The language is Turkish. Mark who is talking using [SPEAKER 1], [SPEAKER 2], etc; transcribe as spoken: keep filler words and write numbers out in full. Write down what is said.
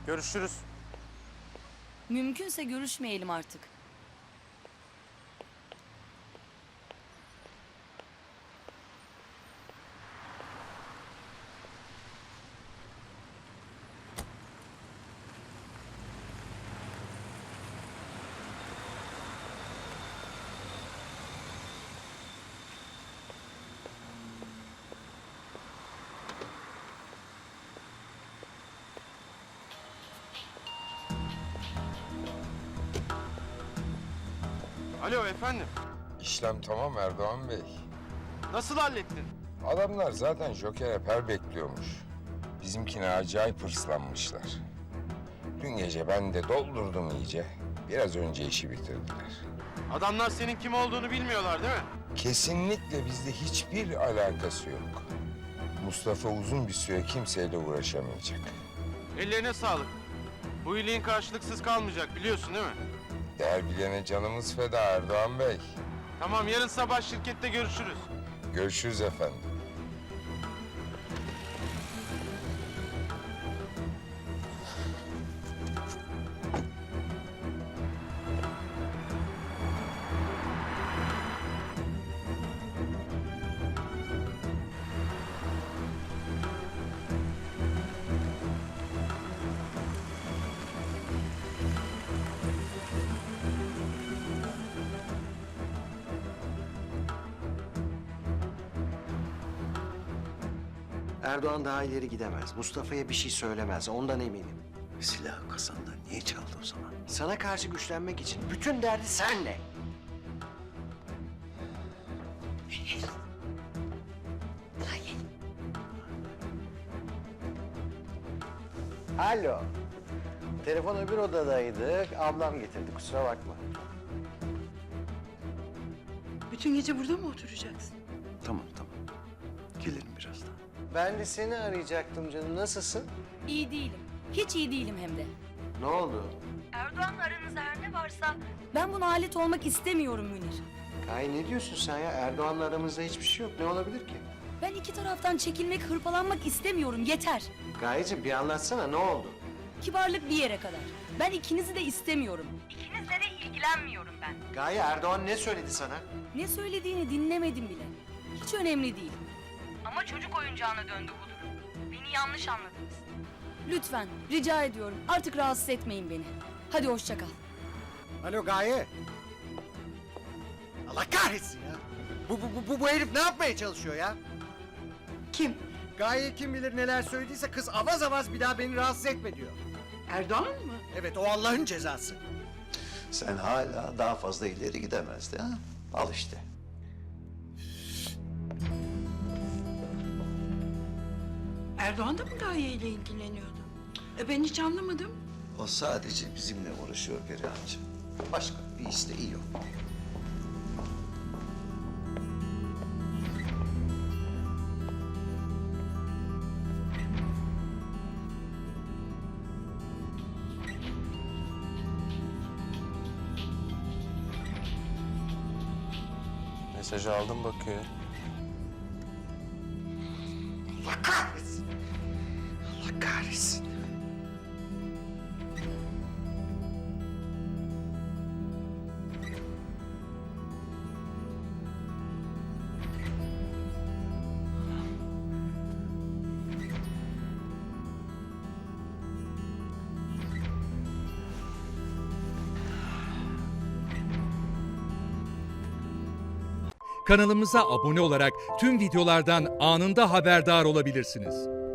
[SPEAKER 1] Görüşürüz.
[SPEAKER 2] Mümkünse görüşmeyelim artık.
[SPEAKER 1] Alo efendim.
[SPEAKER 3] İşlem tamam Erdoğan Bey.
[SPEAKER 1] Nasıl hallettin?
[SPEAKER 3] Adamlar zaten Joker Eper bekliyormuş. Bizimkine acayip hırslanmışlar. Dün gece ben de doldurdum iyice. Biraz önce işi bitirdiler.
[SPEAKER 1] Adamlar senin kim olduğunu bilmiyorlar değil mi?
[SPEAKER 3] Kesinlikle bizde hiçbir alakası yok. Mustafa uzun bir süre kimseyle uğraşamayacak.
[SPEAKER 1] Ellerine sağlık. Bu iyiliğin karşılıksız kalmayacak biliyorsun değil mi?
[SPEAKER 3] Değer bilene canımız feda Erdoğan Bey.
[SPEAKER 1] Tamam, yarın sabah şirkette görüşürüz.
[SPEAKER 3] Görüşürüz efendim.
[SPEAKER 4] Erdoğan daha ileri gidemez. Mustafa'ya bir şey söylemez. Ondan eminim.
[SPEAKER 5] Silahı kasandan niye çaldı o zaman?
[SPEAKER 4] Sana karşı güçlenmek için bütün derdi senle. Alo. Telefon öbür odadaydı. Ablam getirdi. Kusura bakma.
[SPEAKER 6] Bütün gece burada mı oturacaksın?
[SPEAKER 5] Tamam tamam. Gelirim birazdan.
[SPEAKER 4] Ben de seni arayacaktım canım. Nasılsın?
[SPEAKER 2] İyi değilim. Hiç iyi değilim hem de.
[SPEAKER 4] Ne oldu?
[SPEAKER 2] Erdoğan'la aranızda her ne varsa... Ben buna alet olmak istemiyorum Münir.
[SPEAKER 4] Kay ne diyorsun sen ya? Erdoğan'la aramızda hiçbir şey yok. Ne olabilir ki?
[SPEAKER 2] Ben iki taraftan çekilmek, hırpalanmak istemiyorum. Yeter.
[SPEAKER 4] Gayeciğim bir anlatsana. Ne oldu?
[SPEAKER 2] Kibarlık bir yere kadar. Ben ikinizi de istemiyorum. İkinizle de ilgilenmiyorum ben.
[SPEAKER 4] Gaye Erdoğan ne söyledi sana?
[SPEAKER 2] Ne söylediğini dinlemedim bile. Hiç önemli değil. Ama çocuk oyuncağına döndü bu durum. Beni yanlış anladınız. Lütfen, rica ediyorum. Artık rahatsız etmeyin beni. Hadi hoşça kal.
[SPEAKER 4] Alo Gaye. Allah kahretsin ya. Bu, bu, bu, bu herif ne yapmaya çalışıyor ya?
[SPEAKER 6] Kim?
[SPEAKER 4] Gaye kim bilir neler söylediyse kız avaz avaz bir daha beni rahatsız etme diyor.
[SPEAKER 6] Erdoğan mı?
[SPEAKER 4] Evet o Allah'ın cezası.
[SPEAKER 5] Sen hala daha fazla ileri gidemezdi ha? Al işte.
[SPEAKER 6] Erdoğan da mı Gaye ile ilgileniyordu? E ben hiç anlamadım.
[SPEAKER 5] O sadece bizimle uğraşıyor Perihan'cığım. Başka bir isteği yok.
[SPEAKER 1] Mesajı aldım bakıyor.
[SPEAKER 4] Allah kahretsin. Allah kahretsin.
[SPEAKER 7] Kanalımıza abone olarak tüm videolardan anında haberdar olabilirsiniz.